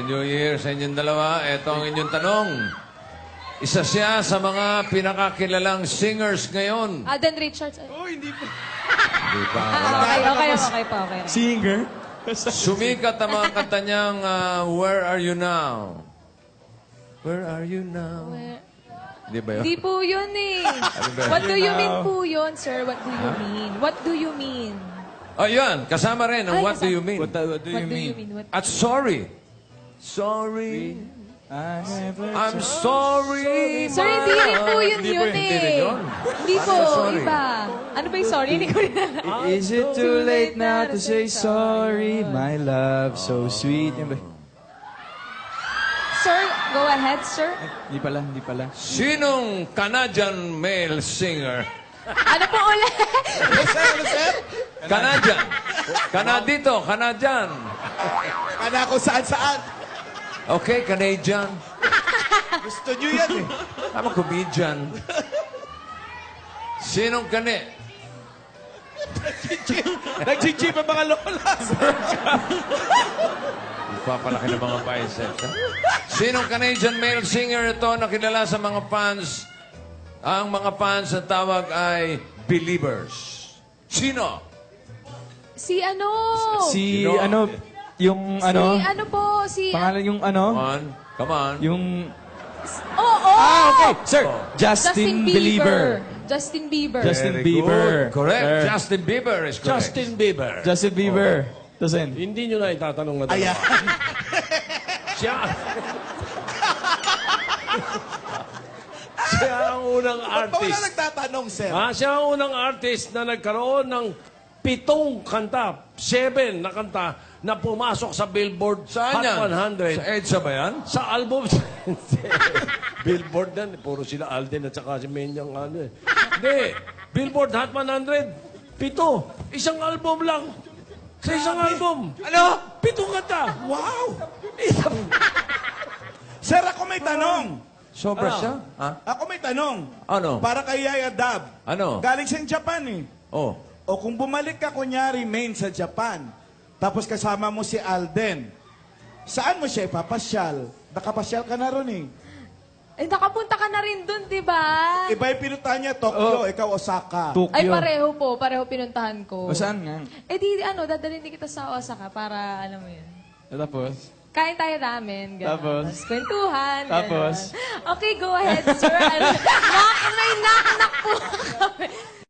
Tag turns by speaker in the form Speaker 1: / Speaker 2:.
Speaker 1: New Year sa inyong dalawa. Ito ang inyong tanong. Isa siya sa mga pinakakilalang singers ngayon.
Speaker 2: Alden Richards.
Speaker 3: Oh, hindi pa.
Speaker 1: Di pa.
Speaker 2: Okay.
Speaker 3: Singer?
Speaker 1: Sumikat ang mga kanta niyang Where Are You Now? Where are you now? Di ba yun?
Speaker 2: Di po yun eh.
Speaker 1: ba?
Speaker 2: What do you mean po yun, sir? What do you mean? What do you mean?
Speaker 1: Oh, yan. Kasama rin ang
Speaker 2: Ay,
Speaker 1: What Do You Mean?
Speaker 3: What do
Speaker 2: What do you mean? What?
Speaker 1: At sorry. Sorry. I'm sorry.
Speaker 2: Sir, hindi rin po yun
Speaker 3: Hindi po
Speaker 2: yun
Speaker 3: yun.
Speaker 1: Hindi rin
Speaker 2: eh.
Speaker 1: yun.
Speaker 2: Hindi po,
Speaker 1: sorry?
Speaker 2: iba. Ano ba yung sorry? Hindi ko rin alam.
Speaker 3: Is it too late now to say sorry, my love, so sweet? Yan ba?
Speaker 2: Sir, go ahead, sir.
Speaker 3: Hindi pala.
Speaker 1: Sinong Canadian male singer?
Speaker 2: Ano po ulit?
Speaker 1: Canadian. Canadito, Canadian.
Speaker 4: Kana ko saan-saan.
Speaker 1: Okay, Canadian.
Speaker 4: Gusto nyo yan eh.
Speaker 1: I'm a comedian. Sinong kani?
Speaker 4: Nag-GG pa mga lola.
Speaker 1: Ipapalaki ng mga biceps. Ha? Sinong Canadian male singer ito na kilala sa mga fans? Ang mga fans ang tawag ay Believers. Sino?
Speaker 2: Si ano?
Speaker 3: Si
Speaker 1: Sino?
Speaker 3: ano, yung ano,
Speaker 2: Si ano po? Si...
Speaker 3: pangalan yung ano,
Speaker 1: Come on.
Speaker 3: yung...
Speaker 2: Oo!
Speaker 3: Okay, sir,
Speaker 1: Oh.
Speaker 3: Justin Believer.
Speaker 2: Justin Bieber.
Speaker 3: Justin
Speaker 1: Very
Speaker 3: Bieber.
Speaker 1: good. Correct.
Speaker 3: Sir.
Speaker 1: Justin Bieber is correct.
Speaker 5: Justin Bieber.
Speaker 3: Justin Bieber. Doesn't.
Speaker 5: Hindi nyo na itatanong na dalawa.
Speaker 4: Ayan.
Speaker 5: Siya... siya ang unang
Speaker 4: Ba't pa wala
Speaker 5: artist.
Speaker 4: nagtatanong, sir?
Speaker 5: Siya ang unang artist na nagkaroon ng 7 kanta, 7 na kanta na pumasok sa Billboard
Speaker 1: Saan
Speaker 5: Hot
Speaker 1: yan?
Speaker 5: 100.
Speaker 1: Sa EDSA ba yan?
Speaker 5: Sa album, Billboard yan. Puro sila Alden at saka si Menyang ano eh. Hindi. Billboard Hot 100. 7. Isang album lang. Sa isang album.
Speaker 4: Ano?
Speaker 5: 7 kanta.
Speaker 4: Wow! Sir, ako may tanong.
Speaker 1: Sobra siya? Ha?
Speaker 4: Ako may tanong.
Speaker 1: Ano?
Speaker 4: Para kay Yaya Dab.
Speaker 1: Ano?
Speaker 4: Galing siyang Japan eh.
Speaker 1: Oh.
Speaker 4: O kung bumalik ka kunyari main sa Japan, tapos kasama mo si Alden, saan mo siya ipapasyal? Nakapasyal ka na ron eh.
Speaker 2: Eh, nakapunta ka na rin dun, di ba?
Speaker 4: Iba yung pinuntahan niya, Tokyo, ikaw Osaka.
Speaker 3: Tokyo.
Speaker 2: Ay, pareho po. Pareho pinuntahan ko.
Speaker 3: O saan nga?
Speaker 2: Eh, di, ano, dadalhin din kita sa Osaka para, alam mo yun.
Speaker 3: Tapos?
Speaker 2: Kain tayo ramen, gano'n.
Speaker 3: Tapos?
Speaker 2: Kwentuhan, gano'n.
Speaker 3: Tapos?
Speaker 2: Okay, go ahead, sir. May knock-knock po kami.